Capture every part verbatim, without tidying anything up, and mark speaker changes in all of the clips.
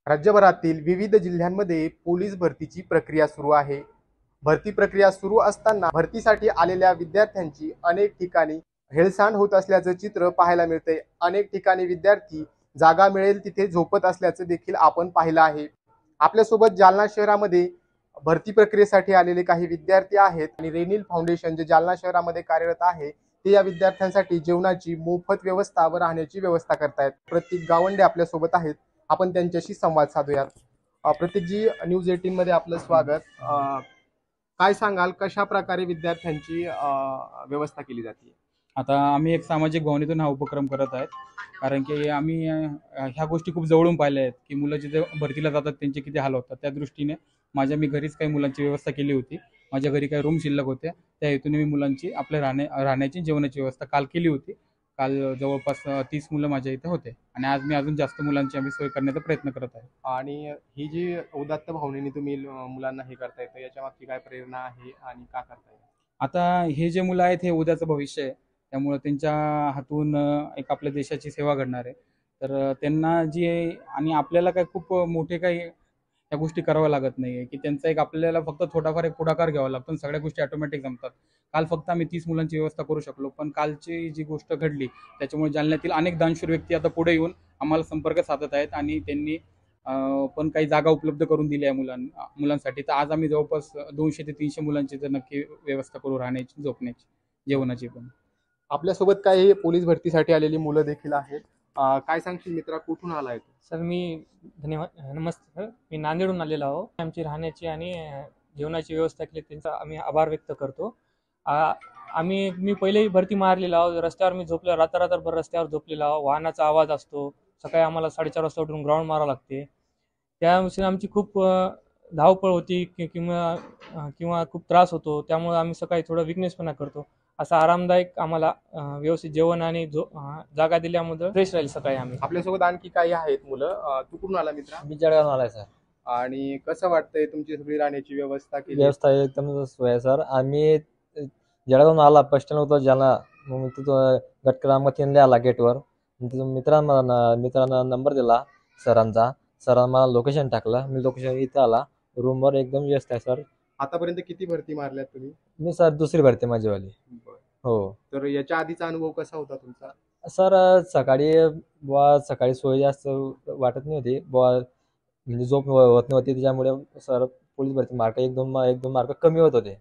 Speaker 1: राज्यभरातील विविध जिल्ह्यांमध्ये पोलीस भरतीची प्रक्रिया सुरू आहे. भरती प्रक्रिया सुरू असताना भरतीसाठी आलेल्या विद्यार्थ्यांची अनेक ठिकाणी हेळसांड होत असल्याचं चित्र पाहायला मिळतंय. अनेक ठिकाणी विद्यार्थी जागा मिळेल तिथे झोपत असल्याचं देखील आपण पाहिलं आहे. आपल्यासोबत जालना शहरामध्ये भरती प्रक्रियेसाठी आलेले काही विद्यार्थी आहेत आणि रेनिल फाउंडेशन जे जालना शहरामध्ये कार्यरत आहे ते या विद्यार्थ्यांसाठी जेवणाची मोफत व्यवस्था व राहण्याची व्यवस्था करतायत. प्रतीक गावंडे आपल्यासोबत आहेत. आपण त्यांच्याशी संवाद साधूयात. अ, प्रतीकजी, न्यूज एटीन मध्ये आपलं स्वागत. अ, काय सांगाल कशा प्रकारे विद्यार्थ्यांची अ, व्यवस्था केली जाते?
Speaker 2: आता आम्ही एक सामाजिक भावनेतून हा उपक्रम करत आहेत, कारण की आम्ही अ, ह्या गोष्टी खूप जवळून पाहिल्या आहेत की मुलं जिथे भरतीला जातात त्यांचे किती हाल होतात. त्या दृष्टीने माझ्या मी घरीच काही मुलांची व्यवस्था केली होती. माझ्या घरी काही रूम शिल्लक होत्या, त्या हेतूने मी मुलांची आपल्या राहण्या राहण्याची जेवणाची व्यवस्था काल केली होती. काल जवळपास तीस मुलं माझ्या इथे होते आणि आज मी अजून जास्त मुलांची आम्ही सोय करण्याचा प्रयत्न करत आहे.
Speaker 1: आणि ही जी उदात्त भावनेने तुम्ही ल- मुलांना हे करताय तर याच्या मागची काय प्रेरणा आहे आणि का करताय?
Speaker 2: आता हे जे मुलं आहेत हे उद्याचं भविष्य आहे, त्यामुळं त्यांच्या हातून अ, एक आपल्या देशाची सेवा घडणार आहे. तर अ, त्यांना जी आणि आपल्याला काय खूप मोठे काही त्या गोष्टी कराव्या लागत नाही आहे, की त्यांचा एक आपल्याला फक्त थोडाफार एक पुढाकार घ्यावा लागतो आणि सगळ्या गोष्टी ऑटोमॅटिक जमतात. काल फक्त आम्ही तीस मुलांची व्यवस्था करू शकलो, पण कालची जी गोष्ट घडली त्याच्यामुळे जालन्यातील अनेक दानशूर व्यक्ती आता पुढे येऊन आम्हाला संपर्क साधत आहेत आणि त्यांनी अ, पण काही जागा उपलब्ध करून दिल्या आहे मुलां मुलांसाठी. तर आज आम्ही जवळपास दोनशे ते तीनशे मुलांची तर नक्की व्यवस्था करू, राहण्याची, झोपण्याची, जेवणाची पण.
Speaker 1: आपल्यासोबत काही पोलीस भरतीसाठी आलेली मुलं देखील आहेत. अ, काय सांगशील मित्रा, कुठून आलाय तू?
Speaker 3: सर मी धन्यवाद नमस्ते सर. मी नांदेडहून आलेलो आहो. आमची राहण्याची आणि अ, जेवणाची व्यवस्था केली त्यांचा आम्ही आभार व्यक्त करतो. आ, आम्ही मी पहिलेही भरती मारलेला आहोत. रस्त्यावर मी झोपलो रात्र रात्रभर रस्त्यावर झोपलेला आहो. वाहनाचा आवाज असतो. सकाळी आम्हाला साडेचार वाजता उठून ग्राउंड मारावं लागते. त्यानुसार आमची खूप अ, धावपळ होती कि किंवा अ, किंवा खूप त्रास होतो. त्यामुळे आम्ही सकाळी थोडा विकनेसपणा करतो. असा आरामदायक आम्हाला अ, व्यवस्थित जेवण आणि झो अ, जागा दिल्यामुळे फ्रेश राहील सकाळी आम्ही.
Speaker 1: आपल्यासोबत आणखी काही आहेत मुलं. अ, तू कुठून आला मित्रा?
Speaker 4: मी जळगावून आलाय सर.
Speaker 1: आणि कसं वाटतंय तुमची सगळी राहण्याची व्यवस्था केली?
Speaker 4: व्यवस्था एकदम सोय आहे सर. आम्ही जळगावून आला बस स्टँड होतो ज्याला मग तिथं गटक्रामतीने आला गेटवर. तिथून मित्रांना मित्रांना नंबर दिला सरांचा. सरांना मला लोकेशन टाकलं. मी लोकेशन इथं आला. रूमवर एकदम व्यवस्था आहे सर.
Speaker 1: आतापर्यंत किती भरती मारल्यात तुम्ही?
Speaker 4: मी सर दुसरी भरती माझीवाली.
Speaker 1: बरं.
Speaker 4: हो
Speaker 1: तर याच्या आधीचा अनुभव कसा होता तुमचा?
Speaker 4: सर. सकाळी बुवा सकाळी सोय जास्त वाटत नाही होती बुवा, म्हणजे झोप होत नव्हती त्याच्यामुळे सर पोलीस भरती मार्क एक दोन एक दोन मार्क कमी होत होते.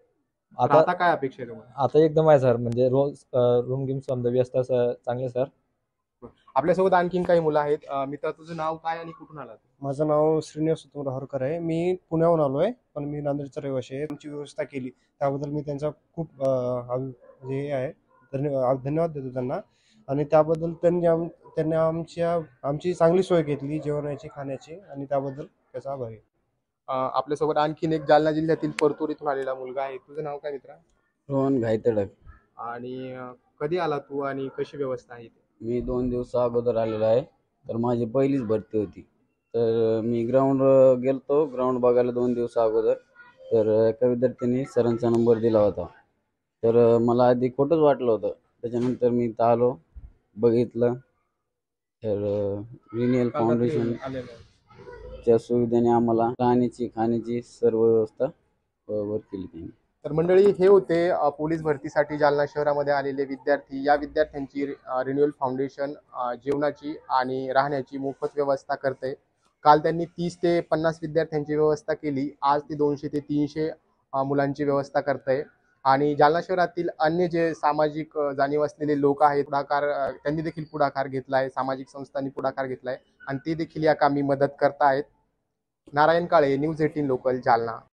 Speaker 1: तर
Speaker 4: आता
Speaker 1: आता काय अपेक्षा आहे तुम्हाला?
Speaker 4: आता एकदम आहे सर, म्हणजे रोज रूम गिम समजा व्यवस्था स- चांगली आहे सर.
Speaker 1: आपल्यासोबत आणखीन काही मुलं आहेत. अ, मित्रा, तुझं नाव काय आणि कुठून आला तू?
Speaker 5: माझं नाव श्रीनिवास उत्तम राहरकर आहे. मी पुण्याहून आलो आहे, पण मी नांदेडचा रहिवासी आहे. तुमची व्यवस्था केली त्याबद्दल मी त्यांचा खूप अं, आभ- म्हणजे हे आहे धन्यवाद धन्यवाद देतो त्यांना. आणि त्याबद्दल त्यांनी आम त्यांनी आमच्या आमची चांगली सोय घेतली जेवणाची खाण्याची, आणि त्याबद्दल त्याचा आभार आहे.
Speaker 1: अ, आपल्यासोबत आणखीन एक जालना जिल्ह्यातील परतूर इथून आलेला मुलगा आहे. तुझं नाव काय मित्रा?
Speaker 6: रोहन घायतडक.
Speaker 1: आणि अ, कधी आला तू आणि कशी व्यवस्था आहे इथे?
Speaker 6: मी दोन दिवस अगोदर आलेलो आहे. तर माझी पहिलीच भरती होती. तर मी ग्राउंड गेलतो ग्राउंड बघायला दोन दिवस अगोदर. तर एका विद्यार्थ्यांनी सरांचा नंबर दिला होता. तर मला आधी खोटंच वाटलं होतं. त्याच्यानंतर मी इथं आलो, बघितलं. तर रिनियल फाउंडेशन
Speaker 1: आलेलं आहे.
Speaker 6: च्या सुविधेने आम्हाला राहण्याची खाण्याची सर्व व्यवस्था बरोबर केली त्यांनी.
Speaker 1: तर मंडळी, हे होते अ, पोलीस भरतीसाठी जालना शहरामध्ये आलेले विद्यार्थी. या विद्यार्थ्यांची रिन्युअल फाउंडेशन अ, जेवणाची आणि राहण्याची मोफत व्यवस्था करते. काल त्यांनी तीस ते पन्नास विद्यार्थ्यांची व्यवस्था केली. आज ते दोनशे ते तीनशे अ, मुलांची व्यवस्था करते. आणि जालना शहरातील अन्य जे सामाजिक अ, जाणीव असलेले लोक आहेत, पुढाकार अ, त्यांनी देखील पुढाकार घेतलाय. सामाजिक संस्थांनी पुढाकार घेतलाय आणि ते देखील या कामी मदत करतायत. Narayan Kale, news eighteen local, Jalna.